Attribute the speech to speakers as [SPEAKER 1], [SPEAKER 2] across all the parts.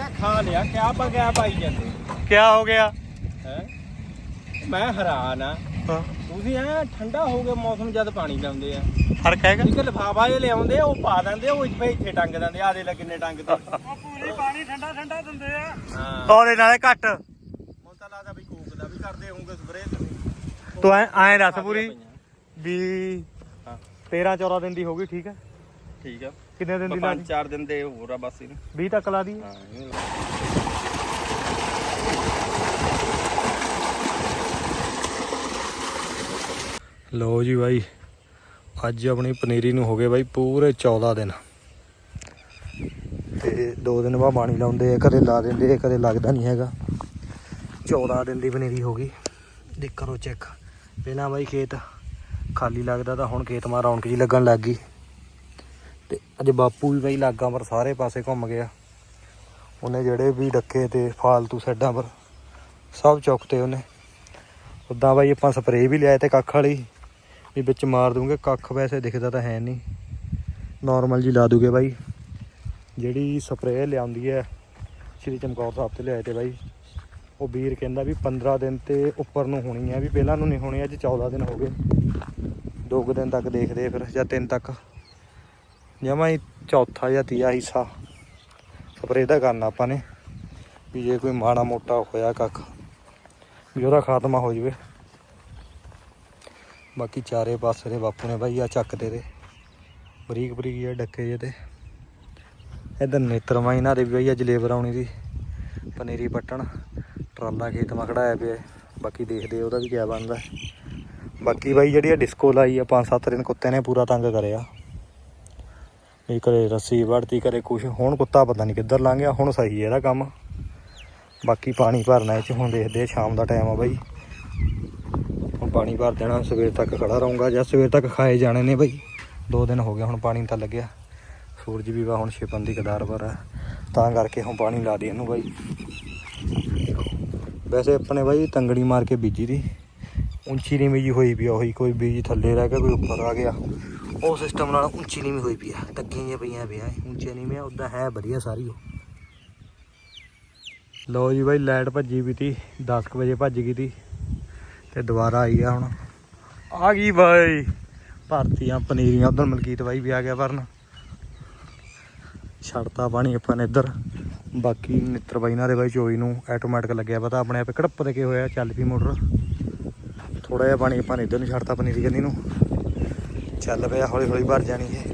[SPEAKER 1] ਖਾ ਲਿਆ ਕਿਆ ਬਗਿਆ ਪਾਈ ਜਾਂਦੇ
[SPEAKER 2] ਕਿਆ ਹੋ ਗਿਆ
[SPEAKER 1] ਹੈ ਮੈਂ ਹੈਰਾਨ ਆ ਤੁਸੀਂ ਐ ਠੰਡਾ ਹੋ ਗਿਆ ਮੌਸਮ ਜਦ ਪਾਣੀ ਲਾਉਂਦੇ ਆ
[SPEAKER 2] ਫਰਕ ਹੈਗਾ
[SPEAKER 1] ਇੱਕ ਲਿਫਾਫਾ ਜਿਹਾ ਲਿਆਉਂਦੇ ਉਹ ਪਾ ਦਿੰਦੇ ਉਹ ਇੱਥੇ ਟੰਗ ਦਿੰਦੇ ਆ ਦੇ ਲੈ ਕਿੰਨੇ ਟੰਗ ਤੇ
[SPEAKER 3] ਪੂਰੀ ਪਾਣੀ ਠੰਡਾ ਠੰਡਾ ਦਿੰਦੇ ਆ
[SPEAKER 1] ਹਾਂ
[SPEAKER 2] ਉਹਦੇ ਨਾਲੇ ਘੱਟ
[SPEAKER 1] ਹੁਣ ਤਾਂ ਲੱਗਦਾ ਵੀ ਕੋਕ ਦਾ ਵੀ ਕਰਦੇ ਹੋਣਗੇ ਸਪਰੇ ਤੁਸੀਂ
[SPEAKER 2] ਤੂੰ ਐਂ ਦੱਸ ਪੂਰੀ ਵੀ
[SPEAKER 1] ਹਾਂ
[SPEAKER 2] 13-14 ਦਿਨ ਦੀ ਹੋ ਗਈ ਠੀਕ ਹੈ
[SPEAKER 1] ਠੀਕ ਆ
[SPEAKER 2] ਕਿੰਨੇ ਦਿਨ ਦੀ ਲਾ ਦੀ
[SPEAKER 1] 5-4 ਦਿਨ ਦੇ ਹੋਰ ਆ ਬਸ ਇਹਨੂੰ
[SPEAKER 2] 20 ਤੱਕ ਲਾ ਦੀ
[SPEAKER 1] ਹਾਂ
[SPEAKER 2] ਲਓ ਜੀ ਬਾਈ ਅੱਜ ਆਪਣੀ ਪਨੀਰੀ ਨੂੰ ਹੋ ਗਏ ਬਾਈ ਪੂਰੇ 14 ਦਿਨ ਤੇ 2 ਦਿਨ ਬਾਅਦ ਪਾਣੀ ਲਾਉਂਦੇ ਆ ਕਦੇ ਲਾ ਦਿੰਦੇ ਆ ਕਦੇ ਲੱਗਦਾ ਨਹੀਂ ਹੈਗਾ 14 ਦਿਨ ਦੀ ਪਨੀਰੀ ਹੋ ਗਈ ਦੇਖ ਕਰੋ ਚੈੱਕ ਪਹਿਲਾਂ ਬਾਈ ਖੇਤ ਖਾਲੀ ਲੱਗਦਾ ਤਾਂ ਹੁਣ ਖੇਤ ਮਾ ਰੌਣਕ ਜੀ ਲੱਗਣ ਲੱਗ ਗਈ ਤੇ ਅੱਜ ਬਾਪੂ ਵੀ ਬਾਈ ਲਾਗਾਂ ਪਰ ਸਾਰੇ ਪਾਸੇ ਘੁੰਮ ਗਿਆ ਉਹਨੇ ਜਿਹੜੇ ਵੀ ਡੱਕੇ ਤੇ ਫਾਲਤੂ ਸਾਈਡਾਂ ਪਰ ਸਭ ਚੁੱਕਤੇ ਉਹਨੇ ਉੱਦਾਂ ਬਾਈ ਆਪਾਂ ਸਪਰੇਅ ਵੀ ਲਿਆਏ ਤੇ ਕੱਖ ਵਾਲੀ ਵੀ ਵਿੱਚ ਮਾਰ ਦੂੰਗੇ ਕੱਖ ਵੈਸੇ ਦਿਖਦਾ ਤਾਂ ਹੈ ਨਹੀਂ ਨੋਰਮਲ ਜੀ ਲਾ ਦੂਗੇ ਬਾਈ ਜਿਹੜੀ ਸਪਰੇਅ ਲਿਆਉਂਦੀ ਹੈ ਸ਼੍ਰੀ ਚਮਕੌਰ ਸਾਹਿਬ ਤੇ ਲਿਆਏ ਤੇ ਬਾਈ ਉਹ ਵੀਰ ਕਹਿੰਦਾ ਵੀ 15 ਦਿਨ ਤੇ ਉੱਪਰ ਨੂੰ ਹੋਣੀ ਹੈ ਵੀ ਪਹਿਲਾਂ ਨੂੰ ਨਹੀਂ ਹੋਣੀ ਅੱਜ 14 ਦਿਨ ਹੋ ਗਏ 2 ਦਿਨ ਤੱਕ ਦੇਖਦੇ ਫਿਰ ਜਾਂ 3 ਤੱਕ ਜਮਾਂ ਹੀ ਚੌਥਾ ਜਾਂ ਤੀਆ ਹਿੱਸਾ ਸਪਰੇਅ ਦਾ ਕਰਨਾ ਆਪਾਂ ਨੇ ਵੀ ਜੇ ਕੋਈ ਮਾੜਾ ਮੋਟਾ ਹੋਇਆ ਕੱਖ ਵੀ ਉਹਦਾ ਖਾਤਮਾ ਹੋ ਜਾਵੇ ਬਾਕੀ ਚਾਰੇ ਪਾਸੇ ਦੇ ਬਾਪੂ ਨੇ ਬਾਈ ਆ ਚੱਕਦੇ ਤੇ ਬਰੀਕ ਬਰੀਕ ਜਿਹੇ ਡੱਕੇ ਜਿਹੇ ਤੇ ਇੱਧਰ ਨੇਤਰਮਾ ਇਹਨਾਂ ਦੇ ਵੀ ਬਾਈ ਅੱਜ ਲੇਬਰ ਆਉਣੀ ਸੀ ਪਨੀਰੀ ਪੱਟਣ ਟਰਾਲਾ ਖੇਤ ਮਾ ਖੜਾਇਆ ਪਿਆ ਬਾਕੀ ਦੇਖਦੇ ਉਹਦਾ ਵੀ ਕਿਆ ਬਣਦਾ ਬਾਕੀ ਬਾਈ ਜਿਹੜੀ ਆ ਡਿਸਕੋ ਲਾਈ ਆ 5-7 ਦਿਨ ਕੁੱਤੇ ਨੇ ਪੂਰਾ ਤੰਗ ਕਰਿਆ ਇਹ ਕਰੇ ਰੱਸੀ ਵੜਤੀ ਕਰੇ ਕੁਛ ਹੁਣ ਕੁੱਤਾ ਪਤਾ ਨਹੀਂ ਕਿੱਧਰ ਲੰਘ ਗਿਆ ਹੁਣ ਸਹੀ ਹੈ ਇਹਦਾ ਕੰਮ ਬਾਕੀ ਪਾਣੀ ਭਰਨਾ ਇਹ 'ਚ ਹੁਣ ਦੇਖਦੇ ਸ਼ਾਮ ਦਾ ਟਾਈਮ ਆ ਬਾਈ ਹੁਣ ਪਾਣੀ ਭਰ ਦੇਣਾ ਸਵੇਰ ਤੱਕ ਖੜਾ ਰਹੂੰਗਾ ਜਾਂ ਸਵੇਰ ਤੱਕ ਖਾਏ ਜਾਣੇ ਨੇ ਬਾਈ 2 ਦਿਨ ਹੋ ਗਏ ਹੁਣ ਪਾਣੀ ਤਾਂ ਲੱਗਿਆ ਸੂਰਜ ਵੀ ਵਾ ਹੁਣ ਛਿਪਣ ਦੀ ਕਦਾਰ ਪਰ ਆ ਤਾਂ ਕਰਕੇ ਹੁਣ ਪਾਣੀ ਲਾ ਦੇ ਇਹਨੂੰ ਬਾਈ ਵੈਸੇ ਆਪਣੇ ਬਾਈ ਤੰਗੜੀ ਮਾਰ ਕੇ ਬੀਜੀ ਦੀ ਉੱਚੀ ਨੀਵੀਂ ਜੀ ਹੋਈ ਪਈ ਆ ਉਹੀ ਕੋਈ ਬੀਜ ਥੱਲੇ ਰਹਿ ਗਿਆ ਕੋਈ ਉੱਪਰ ਆ ਗਿਆ ਉਹ ਸਿਸਟਮ ਨਾਲ ਉੱਚੀ ਨੀਵੀਂ ਹੋਈ ਪਈ ਆ ਟੱਕੀਆਂ ਜਿਹੀਆਂ ਪਈਆਂ ਪਿਆ ਉੱਚੀਆਂ ਨੀਵੀਆਂ ਉੱਦਾਂ ਹੈ ਵਧੀਆ ਸਾਰੀ ਉਹ ਲਓ ਜੀ ਬਾਈ ਲਾਈਟ ਭੱਜੀ ਵੀ ਤੀ 10 ਵਜੇ ਭੱਜ ਗਈ ਤੀ ਤੇ ਦੁਬਾਰਾ ਆਈ ਆ ਹੁਣ ਆ ਗਈ ਬਾਈ ਭਰਤੀਆਂ ਪਨੀਰੀਆਂ ਉਧਰ ਮਲਕੀਤ ਬਾਈ ਵੀ ਆ ਗਿਆ ਭਰਨ ਛੱਡਤਾ ਪਾਣੀ ਆਪਾਂ ਨੇ ਇੱਧਰ ਬਾਕੀ ਨਿੱਤਰ ਬਾਈ ਨਾਲ ਦੇ ਬਾਈ ਚੋਈ ਨੂੰ ਆਟੋਮੈਟਿਕ ਲੱਗਿਆ ਪਤਾ ਆਪਣੇ ਆਪੇ ਕੜੱਪ ਦੇ ਕੇ ਹੋਇਆ ਚੱਲ ਪਈ ਮੋਟਰ ਥੋੜਾ ਜਿਹਾ ਪਾਣੀ ਆਪਾਂ ਨੇ ਇੱਧਰ ਨੂੰ ਛੱਡਤਾ ਪਨੀਰੀ ਕੰਨੀ ਨੂੰ ਚੱਲ ਪਿਆ ਹੌਲੀ ਹੌਲੀ ਭਰ ਜਾਣੀ ਇਹ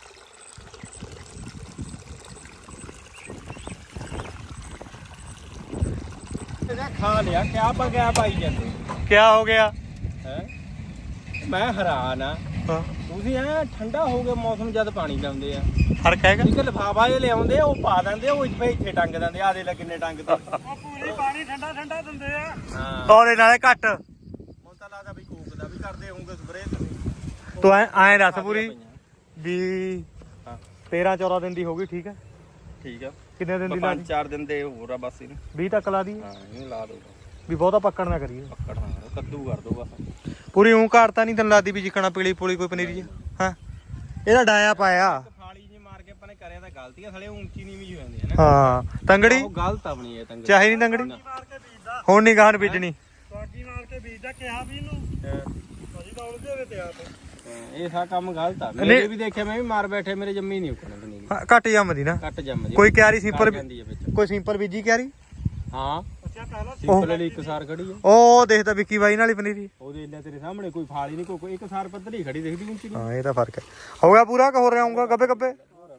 [SPEAKER 1] ਖਾ ਲਿਆ ਕਿਆ ਬਗਿਆ ਪਾਈ ਜਾਂਦੇ
[SPEAKER 2] ਕਿਆ ਹੋ ਗਿਆ
[SPEAKER 1] ਹੈ ਮੈਂ ਹੈਰਾਨ ਆ ਤੁਸੀਂ ਐ ਠੰਡਾ ਹੋ ਗਿਆ ਮੌਸਮ ਜਦ ਪਾਣੀ ਲਾਉਂਦੇ ਆ
[SPEAKER 2] ਫਰਕ ਹੈਗਾ
[SPEAKER 1] ਇੱਕ ਲਿਫਾਫਾ ਜਿਹਾ ਲਿਆਉਂਦੇ ਉਹ ਪਾ ਦਿੰਦੇ ਉਹ ਇੱਥੇ ਟੰਗ ਦਿੰਦੇ ਆ ਦੇ ਲੈ ਕਿੰਨੇ ਟੰਗ ਤੇ
[SPEAKER 3] ਪੂਰੀ ਪਾਣੀ ਠੰਡਾ ਠੰਡਾ ਦਿੰਦੇ ਆ
[SPEAKER 1] ਹਾਂ
[SPEAKER 2] ਉਹਦੇ ਨਾਲੇ ਘੱਟ
[SPEAKER 1] ਹੁਣ ਤਾਂ ਲੱਗਦਾ ਵੀ ਕੋਕ ਦਾ ਵੀ ਕਰਦੇ ਹੋਣਗੇ ਸਪਰੇ ਤੁਸੀਂ
[SPEAKER 2] ਤੂੰ ਐਂ ਦੱਸ ਪੂਰੀ ਵੀ
[SPEAKER 1] ਹਾਂ
[SPEAKER 2] 13-14 ਦਿਨ ਦੀ ਹੋ ਗਈ ਠੀਕ ਹੈ
[SPEAKER 1] ਠੀਕ ਆ
[SPEAKER 2] ਕਿੰਨੇ ਦਿਨ ਦੀ ਲਾ ਦੀ
[SPEAKER 1] 5-4 ਦਿਨ ਦੇ ਹੋਰ ਆ ਬਸ ਇਹਨੂੰ
[SPEAKER 2] 20 ਤੱਕ ਲਾ ਦੀ
[SPEAKER 1] ਹਾਂ ਇਹਨੂੰ ਲਾ ਦੋ
[SPEAKER 2] ਵੀ ਬਹੁਤਾ ਪੱਕਣ ਨਾ ਕਰੀਏ
[SPEAKER 1] ਪੱਕੜਨਾ ਕੱਦੂ ਕਰ ਦੋ ਬਸ
[SPEAKER 2] ਪੂਰੀ ਊਂ ਘਾੜਤਾ ਨਹੀਂ ਤੈਨੂੰ ਲੱਗਦੀ ਵੀ ਜਿੱਕਣਾ ਪੀਲੀ ਪੂਲੀ ਕੋਈ ਪਨੀਰੀ ਹਾਂ ਇਹਦਾ ਡਾਇਆ ਪਾਇਆ
[SPEAKER 1] ਫਾਲੀ ਜੀ ਮਾਰ ਕੇ ਆਪਾਂ ਨੇ ਕਰਿਆ ਤਾਂ ਗਲਤੀ ਆ ਸਾਲੇ ਉੱਚੀ ਨੀਵੀਂ ਹੋ ਜਾਂਦੀ ਹੈ ਨਾ
[SPEAKER 2] ਹਾਂ ਤੰਗੜੀ
[SPEAKER 1] ਉਹ ਗਲਤ ਆਪਣੀ ਇਹ ਤੰਗੜੀ
[SPEAKER 2] ਚਾਹੀ ਨਹੀਂ ਤੰਗੜੀ
[SPEAKER 3] ਮਾਰ ਕੇ ਬੀਜਦਾ
[SPEAKER 2] ਹੁਣ ਨਹੀਂ ਗਾਹਨ ਬੀਜਣੀ
[SPEAKER 3] ਬਾਕੀ ਮਾਰ ਕੇ ਬੀਜਦਾ ਕਿਹਾ ਵੀ ਇਹਨੂੰ ਭਾਜੀ ਦੌੜ ਦੇ ਹੋਵੇ ਤਿਆਰ ਤੇ
[SPEAKER 1] ਇਹ ਸਾ ਕੰਮ ਗਲਤ ਆ ਮੇਰੇ ਵੀ ਦੇਖਿਆ ਮੈਂ ਵੀ ਮਾਰ ਬੈਠੇ ਮੇਰੇ ਜੰਮੀ ਨਹੀਂ ਉੱਕਣ ਪਨੀਰੀ
[SPEAKER 2] ਘੱਟ ਜੰਮਦੀ ਨਾ
[SPEAKER 1] ਕੱਟ ਜੰਮ ਜੀ
[SPEAKER 2] ਕੋਈ ਕਿਆਰੀ ਸਿੰਪਲ
[SPEAKER 1] ਜਾਂਦੀ ਹੈ ਵਿੱਚ
[SPEAKER 2] ਕੋਈ ਸਿੰਪਲ ਬੀਜੀ ਕਿਆਰੀ
[SPEAKER 1] ਹਾਂ
[SPEAKER 3] ਅੱਛਾ ਪਹਿਲਾਂ
[SPEAKER 1] ਸਿੰਪਲ ਵਾਲੀ ਇੱਕ ਸਾਰ ਖੜੀ ਆ
[SPEAKER 2] ਉਹ ਦੇਖਦਾ ਵਿੱਕੀ ਬਾਈ ਨਾਲ ਹੀ ਪਨੀਰੀ
[SPEAKER 1] ਉਹਦੇ ਇੰਨਾ ਤੇਰੇ ਸਾਹਮਣੇ ਕੋਈ ਫਾਲੀ ਨਹੀਂ ਕੋਈ ਇੱਕ ਸਾਰ ਪੱਧਰੀ ਖੜੀ ਦਿਖਦੀ ਉੱਚੀ
[SPEAKER 2] ਹਾਂ ਇਹ ਤਾਂ ਫਰਕ ਹੈ ਹੋ ਗਿਆ ਪੂਰਾ ਕਿ ਹੋ ਰਿਹਾ ਆਉਂਗਾ ਗੱਬੇ ਗੱਬੇ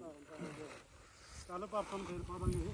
[SPEAKER 3] ਕੱਲ ਪਾਪਾ ਨੂੰ ਫੇਰ ਪਾ ਦਾਂਗੇ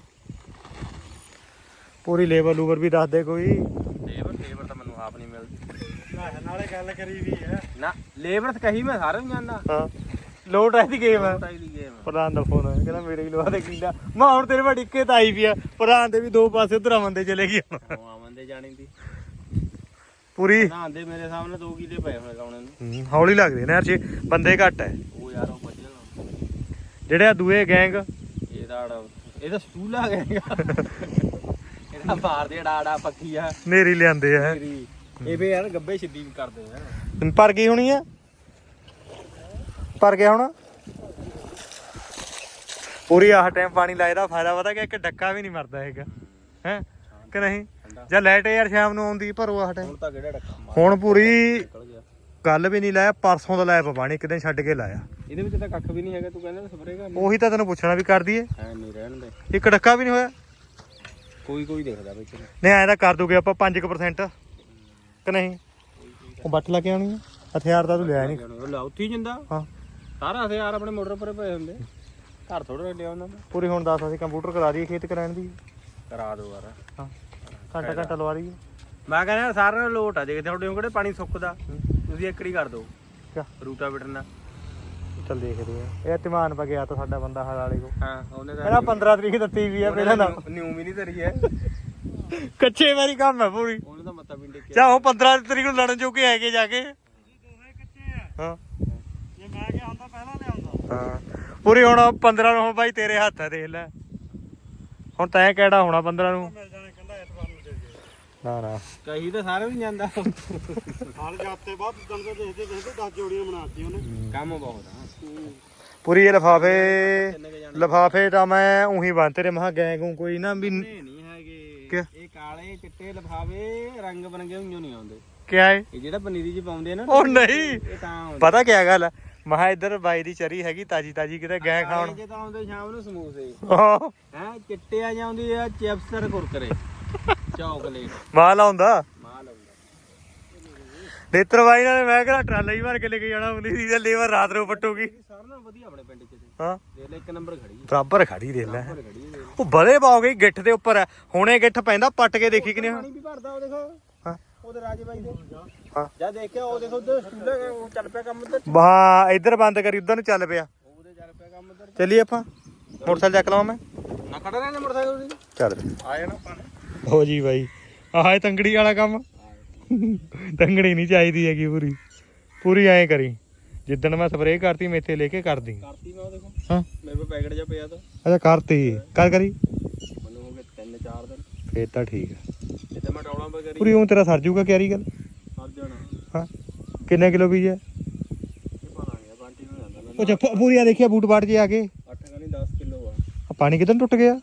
[SPEAKER 2] ਪੂਰੀ ਲੇਬਰ ਲੂਬਰ ਵੀ ਦੱਸ ਦੇ ਕੋਈ
[SPEAKER 1] ਲੇਬਰ ਤਾਂ ਮੈਨੂੰ ਆਪ ਨਹੀਂ ਮਿਲਦੀ
[SPEAKER 3] ਨਾਲੇ ਗੱਲ ਕਰੀ ਵੀ ਹੈ
[SPEAKER 1] ਨਾ ਲੇਬਰ ਤਾਂ ਕਹੀ ਮੈਂ ਸਾਰਿਆਂ ਨੂੰ ਜਾਣਦਾ
[SPEAKER 2] ਹਾਂ ਲੋਟ ਹੈ ਦੀ ਗੇਮ ਹੈ
[SPEAKER 1] ਤਾਈ ਦੀ ਗੇਮ
[SPEAKER 2] ਪ੍ਰਧਾਨ ਦਾ ਫੋਨ ਆਇਆ ਕਹਿੰਦਾ ਮੇਰੇ ਵੀ ਲਵਾ ਦੇ ਕਿੰਦਾ ਮੈਂ ਹੁਣ ਤੇਰੇ ਵੱਡੀ ਇੱਕੇ ਤਾਂ ਆਈ ਪਿਆ ਪ੍ਰਧਾਨ ਦੇ ਵੀ 2 ਪਾਸੇ ਉਧਰ ਆਵੰਦੇ ਚਲੇ ਗਈ ਹੁਣ
[SPEAKER 1] ਉਹ ਆਵੰਦੇ ਜਾਣੀ ਦੀ
[SPEAKER 2] ਪੂਰੀ
[SPEAKER 1] ਪ੍ਰਧਾਨ ਦੇ ਮੇਰੇ ਸਾਹਮਣੇ 2 ਕਿਲੇ ਪਏ ਹੋਣੇ ਲਾਉਣੇ ਨੂੰ
[SPEAKER 2] ਹੌਲੀ ਲੱਗਦੇ ਨੇ ਯਾਰ ਜੀ ਬੰਦੇ ਘੱਟ ਹੈ
[SPEAKER 1] ਉਹ ਯਾਰ ਉਹ ਵੱਜਣ
[SPEAKER 2] ਜਿਹੜੇ ਆ ਦੂਏ ਗੈਂਗ
[SPEAKER 1] ਇਹਦਾ ਸਟੂਲ ਆ ਗਿਆ ਇਹਦਾ ਮਾਰਦੇ ਡਾੜਾ ਪੱਕੀ ਆ
[SPEAKER 2] ਨੇਰੀ ਲਿਆਂਦੇ ਆ
[SPEAKER 1] ਇਹ ਵੀ ਯਾਰ ਗੱਬੇ ਛਿੱਦੀ ਵੀ ਕਰਦੇ ਆ
[SPEAKER 2] ਪਰ ਗਈ ਹੋਣੀ ਆ ਪਰ ਗਿਆ ਹੁਣ ਪੂਰੀ ਆਹ ਟਾਈਮ ਪਾਣੀ ਲਾਇਦਾ ਫਾਇਦਾ ਪਤਾ ਕਿ ਇੱਕ ਡੱਕਾ ਵੀ ਨਹੀਂ ਮਰਦਾ ਹੈਗਾ ਹੈ ਕਿ ਨਹੀਂ ਜਾਂ ਲਾਈਟ ਯਾਰ ਸ਼ਾਮ ਨੂੰ ਆਉਂਦੀ ਭਰੋ ਆਹ ਟਾਈਮ
[SPEAKER 1] ਹੁਣ ਤਾਂ ਕਿਹੜਾ ਡੱਕਾ
[SPEAKER 2] ਹੁਣ ਪੂਰੀ
[SPEAKER 1] ਨਿਕਲ ਗਿਆ।
[SPEAKER 2] ਗੱਲ ਵੀ ਨਹੀਂ ਲਾਇਆ ਪਰਸੋਂ ਦਾ ਲਾਇਆ ਪਾਣੀ ਇੱਕ ਦਿਨ ਛੱਡ ਕੇ ਲਾਇਆ
[SPEAKER 1] ਇਹਦੇ ਵਿੱਚ ਤਾਂ ਕੱਖ ਵੀ ਨਹੀਂ ਹੈਗਾ ਤੂੰ ਕਹਿੰਦਾ ਸਪਰੇਅ ਕਰਨੀ
[SPEAKER 2] ਉਹੀ ਤਾਂ ਤੈਨੂੰ ਪੁੱਛਣਾ ਵੀ ਕਰ ਦਈਏ
[SPEAKER 1] ਐ ਨਹੀਂ ਰਹਿਣ ਦੇ
[SPEAKER 2] ਇੱਕ ਡੱਕਾ ਵੀ ਨਹੀਂ ਹੋਇਆ
[SPEAKER 1] ਕੋਈ ਦਿਖਦਾ ਵਿੱਚ
[SPEAKER 2] ਨਹੀਂ ਐਂ ਤਾਂ ਕਰ ਦੋਗੇ ਆਪਾਂ 5% ਕਿ ਨਹੀਂ ਉਹ ਬੱਟ ਲਾ ਕੇ ਆਉਣੀ ਆ ਹਥਿਆਰ ਤਾਂ ਤੂੰ ਲਿਆ ਨਹੀਂ
[SPEAKER 1] ਉਹ ਲਾ ਉੱਥੇ ਹੀ ਜਾਂਦਾ
[SPEAKER 2] ਹਾਂ
[SPEAKER 1] ਸਾਰਾ ਹਥਿਆਰ ਆਪਣੇ ਮੋਟਰ ਪਰੇ ਪਏ ਹੁੰਦੇ ਘਰ ਥੋੜਾ ਲਿਆ ਉਹਨਾਂ ਦਾ
[SPEAKER 2] ਪੂਰੀ ਹੁਣ ਦੱਸ ਅਸੀਂ ਕੰਪਿਊਟਰ ਕਰਾ ਦਈਏ ਖੇਤ ਕਰਾਉਣ ਦੀ
[SPEAKER 1] ਕਰਾ ਦੋ ਯਾਰ
[SPEAKER 2] ਹਾਂ ਘੰਟਾ ਲਵਾ ਦਈਏ
[SPEAKER 1] ਮੈਂ ਕਹਿੰਦਾ ਸਾਰਿਆਂ ਨੂੰ ਲੋਟ ਆ ਦੇਖ ਤੁਹਾਡੇ ਕੋਲ ਪਾਣੀ ਸੁੱਕਦਾ ਤੁਸੀਂ ਇੱਕੜੀ ਕਰ ਦੋ
[SPEAKER 2] ਕਿਆ
[SPEAKER 1] ਰੂਟਾ ਬਿਟਣਾ
[SPEAKER 2] ਚੱਲ ਦੇਖਦੇ ਆ ਇਹ ਧਮਾਨ ਪਾ ਗਿਆ ਤਾਂ ਸਾਡਾ ਬੰਦਾ ਹਾਲ ਵਾਲੇ ਕੋ
[SPEAKER 1] ਹਾਂ ਉਹਨੇ ਤਾਂ
[SPEAKER 2] ਇਹਦਾ 15 ਤਰੀਕ ਦਿੱਤੀ ਵੀ ਆ ਪਹਿਲਾਂ ਨਾ
[SPEAKER 1] ਨਿਊ ਵੀ ਨਹੀਂ ਧਰੀ ਹੈ
[SPEAKER 2] ਕੱਚੇ ਵਾਰੀ ਕੰਮ ਹੈ ਪੂਰੀ
[SPEAKER 1] ਉਹਨੇ ਤਾਂ ਮੱਤਾ ਪਿੰਡੇ ਕੇ
[SPEAKER 2] ਚਾਹੋ 15 ਤਰੀਕ ਨੂੰ ਲੜਨ ਜੋਗੇ ਹੈਗੇ ਜਾ ਕੇ
[SPEAKER 3] ਦੋਹੇ ਕੱਚੇ ਆ
[SPEAKER 2] ਹਾਂ
[SPEAKER 3] ਜੇ ਮੈਂ ਕਿਹਾ ਆਉਂਦਾ ਪਹਿਲਾਂ ਲਿਆਉਂਦਾ
[SPEAKER 2] ਹਾਂ ਪੂਰੀ ਹੁਣ 15 ਨੂੰ ਹੁਣ ਬਾਈ ਤੇਰੇ ਹੱਥ ਆ ਦੇਖ ਲੈ ਹੁਣ ਤੈਂ ਕਿਹੜਾ ਹੋਣਾ 15 ਨੂੰ
[SPEAKER 3] ਮਿਲ ਜਾਣੇ ਕਹਿੰਦਾ ਐਤਵਾਰ ਨੂੰ ਦੇ ਦੇ
[SPEAKER 2] ਨਾ
[SPEAKER 1] ਕਹੀ ਤਾਂ ਸਾਰੇ ਵੀ ਜਾਂਦਾ
[SPEAKER 3] ਹਾਲ ਜਾਤੇ ਬਾਅਦ ਦਿਨ ਦੇ ਦੇਖਦੇ 10 ਜੋੜੀਆਂ ਬਣਾਤੀ ਉਹਨੇ
[SPEAKER 1] ਕੰਮ ਬਹੁਤ ਆ
[SPEAKER 2] ਪੂਰੀ ਇਹ ਲਫਾਫੇ ਤਾਂ ਮੈਂ ਉਹੀ ਬੰਨ ਤੇਰੇ ਮਹਾ ਗਏ ਗੂ ਕੋਈ ਨਾ ਵੀ
[SPEAKER 1] ਨਹੀਂ ਹੈਗੇ ਇਹ ਕਾਲੇ ਚਿੱਟੇ ਲਿਫਾਫੇ ਰੰਗ ਬਰੰਗੇ ਹੁੰਜੋ ਨਹੀਂ ਆਉਂਦੇ
[SPEAKER 2] ਕਿਆ ਏ
[SPEAKER 1] ਇਹ ਜਿਹੜਾ ਪਨੀਰੀ ਚ ਪਾਉਂਦੇ ਆ ਨਾ
[SPEAKER 2] ਉਹ ਨਹੀਂ
[SPEAKER 1] ਇਹ ਤਾਂ ਆਉਂਦੇ
[SPEAKER 2] ਪਤਾ ਕਿਆ ਗੱਲ ਮਹਾ ਇੱਧਰ ਬਾਈ ਦੀ ਚਰੀ ਹੈਗੀ ਤਾਜੀ ਕਿਤੇ ਗਏ ਖਾਣ
[SPEAKER 1] ਜੇ ਤਾਂ ਆਉਂਦੇ ਸ਼ਾਮ ਨੂੰ ਸਮੋਸੇ
[SPEAKER 2] ਹਾਂ
[SPEAKER 1] ਹੈ ਚਿੱਟੇ ਆ ਜਾਂਦੀ ਆ ਚਿਪਸ ਕੁਰਕਰੇ ਚਾਕਲੇਟ
[SPEAKER 2] ਮਾਲ ਆਉਂਦਾ
[SPEAKER 1] ਮਾਲ ਆਉਂਦਾ
[SPEAKER 2] ਨੇਤਰ ਬਾਈ ਨਾਲ ਮੈਂ ਕਿਹਾ ਟਰਾਲਾ ਹੀ ਭਰ ਕੇ ਲੈ ਕੇ ਜਾਣਾ ਹੁੰਦੀ ਸੀ ਤੇ ਲੇਬਰ ਰਾਤ ਨੂੰ ਪੱਟੂਗੀ
[SPEAKER 1] ਸਾਰਿਆਂ ਨਾਲੋਂ ਵਧੀਆ ਆਪਣੇ ਪਿੰਡ ਚ ਤੇ
[SPEAKER 2] ਹਾਂ
[SPEAKER 1] ਦੇਖ ਲੈ ਇੱਕ ਨੰਬਰ ਖੜੀ
[SPEAKER 2] ਬਰਾਬਰ ਖੜੀ ਦੇ ਲੈ
[SPEAKER 1] ਖੜੀ ਹੈ
[SPEAKER 2] ਉਹ ਬਲੇ ਪਾਓ ਗਈ ਗਿੱਠ ਦੇ ਉੱਪਰ ਹੁਣੇ ਗਿੱਠ ਪੈਂਦਾ ਪੱਟ ਕੇ ਦੇਖੀ ਕਿਨੇ
[SPEAKER 1] ਪਾਣੀ ਵੀ ਭਰਦਾ ਉਹ ਦੇਖੋ
[SPEAKER 2] ਹਾਂ
[SPEAKER 1] ਉਹਦੇ ਰਾਜੇ ਬਾਈ ਦੇ
[SPEAKER 2] ਹਾਂ
[SPEAKER 1] ਜਦ ਦੇਖਿਆ ਉਹ ਦੇਖੋ ਉਧਰ ਸਟੂਲੇ ਉਹ ਚੱਲ ਪਿਆ ਕੰਮ ਉਧਰ
[SPEAKER 2] ਵਾਹ ਇੱਧਰ ਬੰਦ ਕਰੀ ਉਧਰ ਨੂੰ ਚੱਲ ਪਿਆ
[SPEAKER 1] ਉਹਦੇ ਚੱਲ ਪਿਆ ਕੰਮ ਉਧਰ
[SPEAKER 2] ਚੱਲੀਏ ਆਪਾਂ ਮੋਟਰਸਾਈਕਲ ਚੱਕ ਲਵਾਂ ਮੈਂ
[SPEAKER 1] ਨਾ ਖੜਾ ਰਹਿਣਾ ਮੋਟਰਸਾਈਕਲ ਦੀ
[SPEAKER 2] ਚੱਲ
[SPEAKER 1] ਆ ਜਾਣਾ ਆਪਾਂ ਨੇ
[SPEAKER 2] ਹੋ ਜੀ ਬਾਈ ਆਹ ਇਹ ਤੰਗੜੀ ਵਾਲਾ ਕੰਮ ਤੰਗੜੀ ਨਹੀਂ ਚਾਹੀਦੀ ਹੈਗੀ ਪੂਰੀ ਐਂ ਕਰੀ ਜਿੱਦਣ ਮੈਂ ਸਪਰੇਅ ਕਰਤੀ ਮੇਥੇ ਲੈ ਕੇ ਕਰਦੀ
[SPEAKER 1] ਕਰਤੀ ਮੈਂ ਉਹ ਦੇਖੋ
[SPEAKER 2] ਹਾਂ
[SPEAKER 1] ਮੇਰੇ ਕੋਲ ਪੈਕਟ ਜਿਹਾ ਪਿਆ ਤਾਂ
[SPEAKER 2] ਅੱਛਾ ਕਰਤੀ ਕਰੀ
[SPEAKER 1] ਮੈਨੂੰ ਹੋ ਗਏ 3-4 ਦਿਨ
[SPEAKER 2] ਫੇਰ ਤਾਂ ਠੀਕ ਹੈ
[SPEAKER 1] ਜਿੱਦਾਂ ਮੈਂ ਟੌਲਾਂ ਪਰ ਕਰੀ
[SPEAKER 2] ਪੂਰੀ ਉਹ ਤੇਰਾ ਸਰ ਜੂਗਾ ਕਿਆਰੀ ਗੱਲ
[SPEAKER 1] ਸਰ ਜਾਣਾ
[SPEAKER 2] ਹਾਂ ਕਿੰਨੇ ਕਿਲੋ ਬੀਜ ਹੈ
[SPEAKER 1] ਇਹ ਪਾ ਲਾਂਗੇ ਬਾਂਟੀ ਨੂੰ ਜਾਂਦਾ
[SPEAKER 2] ਉਹ ਜੱਫਾ ਪੂਰੀ ਆ ਦੇਖਿਆ ਬੂਟ ਬਾਟ ਜੇ ਆ ਕੇ
[SPEAKER 1] 8 ਨਹੀਂ 10 ਕਿਲੋ ਆ
[SPEAKER 2] ਪਾਣੀ ਕਿਦਾਂ ਟੁੱਟ ਗਿਆ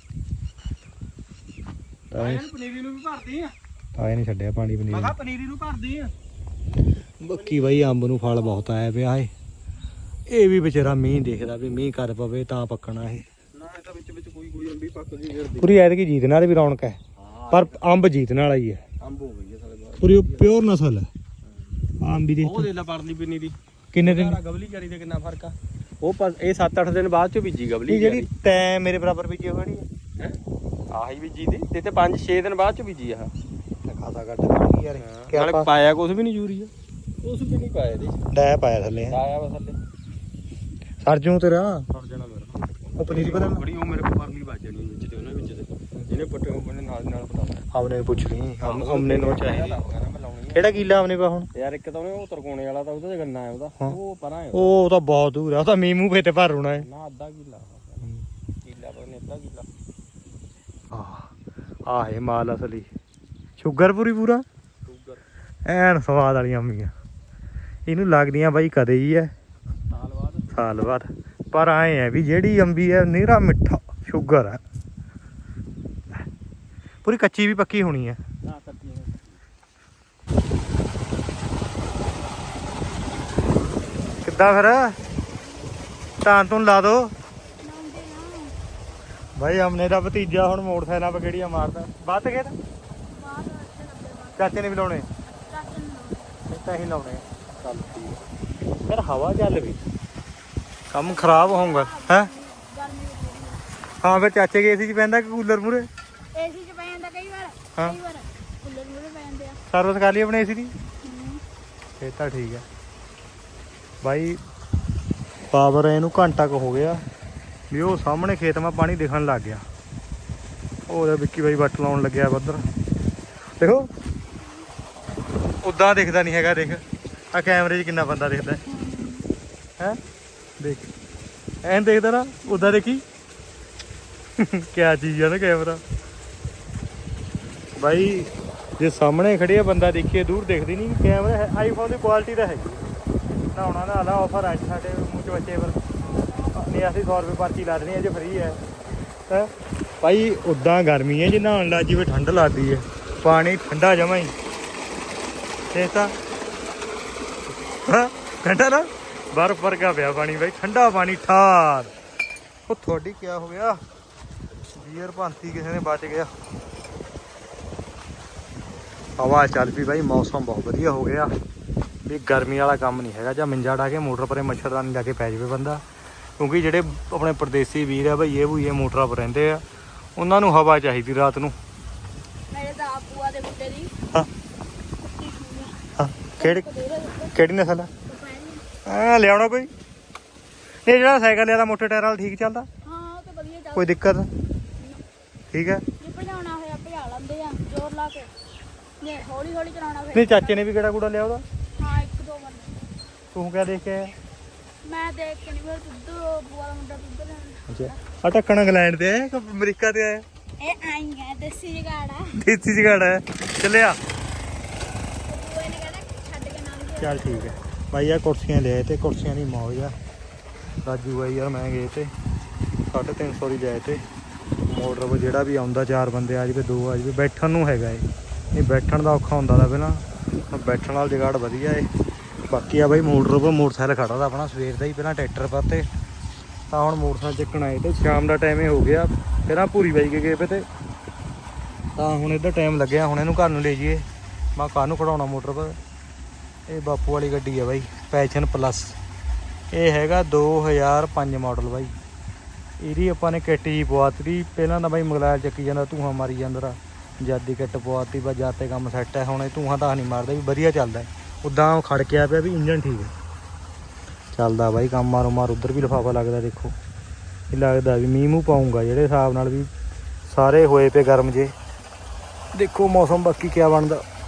[SPEAKER 1] ਪਨੀਰੀ ਨੂੰ ਵੀ ਭਰਦੀ ਆ
[SPEAKER 2] ਆਏ ਨਹੀਂ ਛੱਡਿਆ ਪਾਣੀ
[SPEAKER 1] ਮੈਂ
[SPEAKER 2] ਪਨੀਰ
[SPEAKER 1] ਕਿਹਾ ਪਨੀਰੀ ਨੂੰ ਭਰਦੀ ਆ
[SPEAKER 2] ਬੱਕੀ ਬਾਈ ਅੰਬ ਨੂੰ ਫਲ ਬਹੁਤ ਆਇਆ ਪਿਆ ਇਹ ਵੀ ਵਿਚਾਰਾ ਮੀਂਹ ਦੇਖਦਾ ਵੀ ਮੀਂਹ ਕਰ ਪਵੇ ਤਾਂ ਪੱਕਣਾ ਇਹ
[SPEAKER 1] ਨਾ ਇਹ ਤਾਂ ਵਿੱਚ ਕੋਈ ਅੰਬੀ ਪੱਕ ਗਈ ਫਿਰਦੀ
[SPEAKER 2] ਪੂਰੀ ਐਤਕੀ ਜੀਤ ਨਾਲ ਵੀ ਰੌਣਕ ਹੈ ਪਰ ਅੰਬ ਜੀਤ ਨਾਲ ਹੀ ਹੈ
[SPEAKER 1] ਅੰਬ ਹੋ ਗਈ ਹੈ ਸਾਲੇ ਬਾਹਰ
[SPEAKER 2] ਪੂਰੀ ਪਿਓਰ ਨਸਲ ਹੈ ਅੰਬ ਦੀ
[SPEAKER 1] ਉਹ ਦੇ ਲੈ ਪਰਲੀ ਪਨੀਰੀ
[SPEAKER 2] ਕਿੰਨੇ ਦਿਨ
[SPEAKER 1] ਗਵਲੀ ਚਾਰੀ ਦੇ ਕਿੰਨਾ ਫਰਕ ਆ ਉਹ ਇਹ 7-8 ਦਿਨ ਬਾਅਦ ਚ ਬੀਜੀ ਗਵਲੀ
[SPEAKER 2] ਜਿਹੜੀ ਤੈਂ ਮੇਰੇ ਬਰਾਬਰ ਬੀਜੀ ਹੋਣੀ ਹੈ
[SPEAKER 1] ਆਹੀ ਬੀਜੀ ਦੀ ਤੇ 5-6 ਦਿਨ ਬਾਅਦ ਚ ਬੀਜੀ ਆ
[SPEAKER 2] ਖਾਸਾ ਘੱਟ ਪਾਣੀ ਯਾਰ
[SPEAKER 1] ਨਾਲੇ ਪਾਇਆ ਕੁਝ ਵੀ ਨਹੀਂ ਯੂਰੀਆ ਕੁਝ ਵੀ ਨਹੀਂ ਪਾਇਆ ਇਹਦੇ ਚ
[SPEAKER 2] ਡੈ ਪਾਇਆ ਥੱਲੇ
[SPEAKER 1] ਆਇਆ ਵਾ ਥੱਲੇ
[SPEAKER 2] ਸਰਜੂ ਤੇਰਾ
[SPEAKER 1] ਸੜ ਜਾਣਾ ਮੇਰਾ
[SPEAKER 2] ਉਹ ਪਨੀਰੀ ਪਤਾ
[SPEAKER 1] ਬੜੀ ਉਹ ਮੇਰੇ ਕੋਲ ਪਰਲੀ ਵੱਜ ਜਾਣੀ ਵਿੱਚ ਤੇ ਉਹਨਾਂ ਵਿੱਚ ਤੇ ਜਿਹਨੇ ਪੱਟੇ ਉਹਨੇ ਨਾਲ ਪਤਾ
[SPEAKER 2] ਹਮਨੇ ਪੁੱਛ ਲਈ ਹਮਨੇ ਨੂੰ ਚਾਹੀਦੀ
[SPEAKER 1] ਮੈਂ ਲਾਉਣੀ
[SPEAKER 2] ਕਿਹੜਾ ਕੀਲਾ ਹਮਨੇ ਪਾ ਹੁਣ
[SPEAKER 1] ਯਾਰ ਇੱਕ ਤਾਂ ਉਹਨੇ ਉਹ ਤਰਕੋਣੇ ਵਾਲਾ ਤਾਂ ਉਹਦਾ ਤੇ ਗੰਨਾ ਹੈ ਉਹਦਾ ਉਹ ਪਰਾਂ ਹੈ
[SPEAKER 2] ਉਹ ਤਾਂ ਬਹੁਤ ਦੂਰ ਆ ਉਹ ਤਾਂ ਮੀਮੂ ਫੇ ਤੇ ਭਰ ਹੋਣਾ ਹੈ
[SPEAKER 1] ਨਾ ਅੱਧਾ ਕਿੱਲਾ ਪਰ ਨੇ ਅੱਧਾ ਕਿੱਲਾ
[SPEAKER 2] ਆਹ ਹੈ ਮਾਲ ਅਸਲੀ ਸ਼ੂਗਰ ਪੂਰਾ
[SPEAKER 1] ਸ਼ੂਗਰ
[SPEAKER 2] ਐਨ ਸਵਾਦ ਵਾਲੀਆਂ ਅੰਮੀਆਂ ਇਹਨੂੰ ਲੱਗਦੀਆਂ ਬਾਈ ਕਦੇ ਹੀ ਐ ਸਾਲ ਬਾਅਦ ਪਰ ਆਏ ਹੈ ਵੀ ਜਿਹੜੀ ਅੰਬੀ ਐ ਨੀਰਾ ਮਿੱਠਾ ਸ਼ੂਗਰ ਹੈ ਪੂਰੀ ਕੱਚੀ ਵੀ ਪੱਕੀ ਹੋਣੀ ਹੈ
[SPEAKER 1] ਨਾ ਕੱਟੀ
[SPEAKER 2] ਕਿੱਦਾਂ ਫਿਰ ਧਾਨ ਤੋਂ ਲਾ ਦੋ ਭਾਈ ਹਮਨੇ ਦਾ ਭਤੀਜਾ ਹੁਣ ਮੋਟਰਸਾਈਕਲਾਂ 'ਤੇ ਕਿਹੜੀਆਂ ਮਾਰਦਾ ਵੱਧ ਗਏ ਤਾਂ ਚਾਚੇ ਨੇ ਵੀ ਲਾਉਣੇ ਤਾਂ ਹੀ ਲਾਉਣੇ ਚੱਲ ਠੀਕ ਫਿਰ ਹਵਾ ਚੱਲ ਵੀ ਕੰਮ ਖਰਾਬ ਹੋਊਗਾ ਹੈ ਹਾਂ ਫਿਰ ਚਾਚੇ ਕੇ ਏਸੀ 'ਚ ਪੈਂਦਾ ਕਿ ਕੂਲਰ ਮੂਰੇ
[SPEAKER 4] ਏਸੀ 'ਚ ਪੈ ਜਾਂਦਾ ਕਈ ਵਾਰ
[SPEAKER 2] ਹਾਂ
[SPEAKER 4] ਕੂਲਰ ਮੂਰੇ ਪੈ ਜਾਂਦੇ ਆ
[SPEAKER 2] ਸਰਵਿਸ ਕਰ ਲਈ ਆਪਣੇ ਏਸੀ ਦੀ ਇਹ ਤਾਂ ਠੀਕ ਹੈ ਬਾਈ ਪਾਵਰ ਇਹਨੂੰ ਘੰਟਾ ਕੁ ਹੋ ਗਿਆ ਵੀ ਉਹ ਸਾਹਮਣੇ ਖੇਤ ਮਾ ਪਾਣੀ ਦਿਖਣ ਲੱਗ ਗਿਆ ਉਹਦਾ ਵਿੱਕੀ ਬਾਈ ਵੱਟ ਲਾਉਣ ਲੱਗਿਆ ਬੱਦਰ ਦੇਖੋ ਉਦਾਂ ਦਿਖਦਾ ਨਹੀਂ ਹੈਗਾ ਦੇਖ ਆ ਕੈਮਰੇ 'ਚ ਕਿੰਨਾ ਬੰਦਾ ਦਿਖਦਾ ਹੈ ਦੇਖ ਐਨ ਦੇਖਦਾ ਨਾ ਉਦਾਂ ਦੇਖੀ ਕਿਆ ਚੀਜ਼ ਆ ਨਾ ਕੈਮਰਾ ਬਾਈ ਜੇ ਸਾਹਮਣੇ ਖੜੇ ਆ ਬੰਦਾ ਦੇਖੀਏ ਦੂਰ ਦਿਖਦੀ ਨਹੀਂ ਕੈਮਰਾ ਆਈਫੋਨ ਦੀ ਕੁਆਲਿਟੀ ਤਾਂ ਹੈਗੀ ਨਹਾਉਣਾ ਨਾ ਆਲਾ ਆਫਰ ਅੱਜ ਸਾਡੇ ਮੂੰਹ 'ਚ ਬੱਚੇ ਪਰ
[SPEAKER 3] ਨਹੀਂ ਅਸੀਂ 100 ਰੁਪਏ ਪਰਚੀ ਲਾ ਦੇਣੀ ਅੱਜ ਫ੍ਰੀ ਹੈ ਹੈਂ ਭਾਈ ਉਦਾਂ ਗਰਮੀ ਹੈ ਜੇ ਨਹਾਉਣ ਲੱਗ ਜਿਵੇਂ ਠੰਡ ਲੱਗਦੀ ਹੈ ਪਾਣੀ ਠੰਡਾ ਜਮਾ ਹੀ ਤੇ ਤਾਂ ਹਾਂ ਠੰਡਾ ਨਾ ਬਰਫ਼ ਵਰਗਾ ਪਿਆ ਪਾਣੀ ਬਾਈ ਠੰਡਾ ਪਾਣੀ ਠਾਰ ਉਹ ਤੁਹਾਡੀ ਕੀ ਹੋ ਗਿਆ ਬੀਅਰ ਭਾਂਤੀ ਕਿਸੇ ਨੇ ਬਚ ਗਿਆ ਹਵਾ ਚੱਲ ਪਈ ਬਾਈ ਮੌਸਮ ਬਹੁਤ ਵਧੀਆ ਹੋ ਗਿਆ ਵੀ ਗਰਮੀ ਵਾਲਾ ਕੰਮ ਨਹੀਂ ਹੈਗਾ ਜਾਂ ਮੰਜਾ ਢਾ ਕੇ ਮੋਟਰ ਪਰੇ ਮੱਛਰਦਾਨੀ ਲਾ ਕੇ ਪੈ ਜਾਵੇ ਬੰਦਾ ਕਿਉਂਕਿ ਜਿਹੜੇ ਆਪਣੇ ਪਰਦੇਸੀ ਵੀਰ ਆ ਬਈ ਇਹ ਮੋਟਰਾਂ ਪਰ ਰਹਿੰਦੇ ਆ ਉਹਨਾਂ ਨੂੰ ਹਵਾ ਚਾਹੀਦੀ ਰਾਤ ਨੂੰ
[SPEAKER 4] ਮੇਰੇ ਤਾਂ ਆਪੂਆ ਦੇ ਮੁੰਡੇ ਦੀ
[SPEAKER 2] ਹਾਂ ਹਾਂ ਕਿਹੜੀ ਨਸਲ ਆ ਲਿਆਉਣਾ ਕੋਈ ਇਹ ਜਿਹੜਾ ਸਾਈਕਲ ਲਿਆ ਦਾ ਮੋਟੇ ਟਾਇਰ ਵਾਲਾ ਠੀਕ ਚੱਲਦਾ
[SPEAKER 4] ਹਾਂ ਉਹ ਤਾਂ ਵਧੀਆ ਚੱਲ
[SPEAKER 2] ਕੋਈ ਦਿੱਕਤ ਠੀਕ ਹੈ
[SPEAKER 4] ਜੇ ਭਜਾਉਣਾ ਹੋਇਆ ਭਜਾ ਲੈਂਦੇ ਆ ਜ਼ੋਰ ਲਾ ਕੇ ਜੇ ਹੌਲੀ ਹੌਲੀ ਚਲਾਉਣਾ ਫਿਰ
[SPEAKER 2] ਨਹੀਂ ਚਾਚੇ ਨੇ ਵੀ ਕਿਹੜਾ ਕੂੜਾ ਲਿਆ ਉਹਦਾ
[SPEAKER 4] ਹਾਂ ਇੱਕ ਦੋ ਵਾਰ
[SPEAKER 2] ਤੂੰ ਕਿਆ ਦੇਖ ਕੇ ਆਇਆ
[SPEAKER 4] ਮੈਂ ਦੇਖ ਕੇ ਨਹੀਂ ਫਿਰ ਦੁੱਧ ਬੂਆ ਦਾ ਮੁੰਡਾ ਦੁੱਧ ਲੈਣ
[SPEAKER 2] ਅੱਛਾ ਆ ਢੱਕਣ ਇੰਗਲੈਂਡ ਤੇ ਆਇਆ ਕਿ ਅਮਰੀਕਾ ਤੇ ਆਇਆ
[SPEAKER 4] ਇਹ ਆਈਆਂ ਦੇਸੀ ਜਗਾੜਾ
[SPEAKER 2] ਦੇਸੀ ਜਗਾੜ ਹੈ ਚੱਲਿਆ
[SPEAKER 4] ਬੂਆ ਨੇ ਕਹਿੰਦਾ ਛੱਡ ਕੇ ਨਾ ਗਿਆ
[SPEAKER 2] ਚੱਲ ਠੀਕ ਹੈ ਭਾਈ ਆ ਕੁਰਸੀਆਂ ਲਿਆਏ ਤੇ ਕੁਰਸੀਆਂ ਦੀ ਮੌਜ ਆ ਰਾਜੂ ਬਾਈ ਯਾਰ ਮੈਂ ਗਏ ਤੇ 350 ਦੀ ਲਿਆਏ ਤੇ ਮੋਟਰ 'ਤੇ ਜਿਹੜਾ ਵੀ ਆਉਂਦਾ 4 ਬੰਦੇ ਆ ਜਾਵੇ 2 ਆ ਜਾਵੇ ਬੈਠਣ ਨੂੰ ਹੈਗਾ ਇਹ ਨਹੀਂ ਬੈਠਣ ਦਾ ਔਖਾ ਹੁੰਦਾ ਤਾਂ ਪਹਿਲਾਂ ਹੁਣ ਬੈਠਣ ਵਾਲਾ ਜਗਾੜ ਵਧੀਆ ਏ ਬਾਕੀ ਆ ਬਾਈ ਮੋਟਰ 'ਤੇ ਮੋਟਰਸਾਈਕਲ ਖੜਾ ਦਾ ਆਪਣਾ ਸਵੇਰ ਦਾ ਹੀ ਪਹਿਲਾਂ ਟਰੈਕਟਰ ਪਰ ਤੇ ਤਾਂ ਹੁਣ ਮੋਟਰਸਾਈਕਲ ਚੱਕਣ ਆਏ ਤੇ ਸ਼ਾਮ ਦਾ ਟਾਈਮ ਹੀ ਹੋ ਗਿਆ ਪਹਿਲਾਂ ਭੂਰੀ ਬਾਈ ਕੇ ਗਏ ਪਏ ਤੇ ਤਾਂ ਹੁਣ ਇੱਧਰ ਟਾਈਮ ਲੱਗਿਆ ਹੁਣ ਇਹਨੂੰ ਘਰ ਨੂੰ ਲੈ ਜਾਈਏ ਮੈਂ ਘਰ ਨੂੰ ਖੜਾਉਣਾ ਮੋਟਰ ਪਰ ਇਹ ਬਾਪੂ ਵਾਲੀ ਗੱਡੀ ਆ ਬਾਈ ਪੈਸ਼ਨ ਪਲੱਸ ਇਹ ਹੈਗਾ 2005 ਮਾਡਲ ਬਾਈ ਇਹਦੀ ਆਪਾਂ ਨੇ ਕਿੱਟ ਜੀ ਪਵਾਤੀ ਪਹਿਲਾਂ ਤਾਂ ਬਾਈ ਮੋਬਾਈਲ ਚੱਕੀ ਜਾਂਦਾ ਧੂੰਆਂ ਮਾਰੀ ਜਾਂਦਾ ਜਦ ਦੀ ਕਿੱਟ ਪਵਾਤੀ ਬਸ ਜਦ ਤੇ ਕੰਮ ਸੈੱਟ ਹੈ ਹੁਣ ਇਹ ਧੂੰਆਂ ਤਾਂ ਨਹੀਂ ਮਾਰਦਾ ਵੀ ਵਧੀਆ ਚੱਲਦਾ ਉੱਦਾਂ ਖੜ ਕੇ ਆ ਪਿਆ ਵੀ ਇੰਜਨ ਠੀਕ ਹੈ ਚੱਲਦਾ ਬਾਈ ਕੰਮ ਮਾਰੋ ਮਾਰ ਉੱਧਰ ਵੀ ਲਿਫਾਫਾ ਲੱਗਦਾ ਦੇਖੋ ਇਹ ਲੱਗਦਾ ਵੀ ਮੀਂਹ ਮੂੰਹ ਪਾਊਂਗਾ ਜਿਹੜੇ ਹਿਸਾਬ ਨਾਲ ਵੀ ਸਾਰੇ ਹੋਏ ਪਏ ਗਰਮ ਜੇ ਦੇਖੋ ਮੌਸਮ ਬਾਕੀ ਕਿਆ ਬਣਦਾ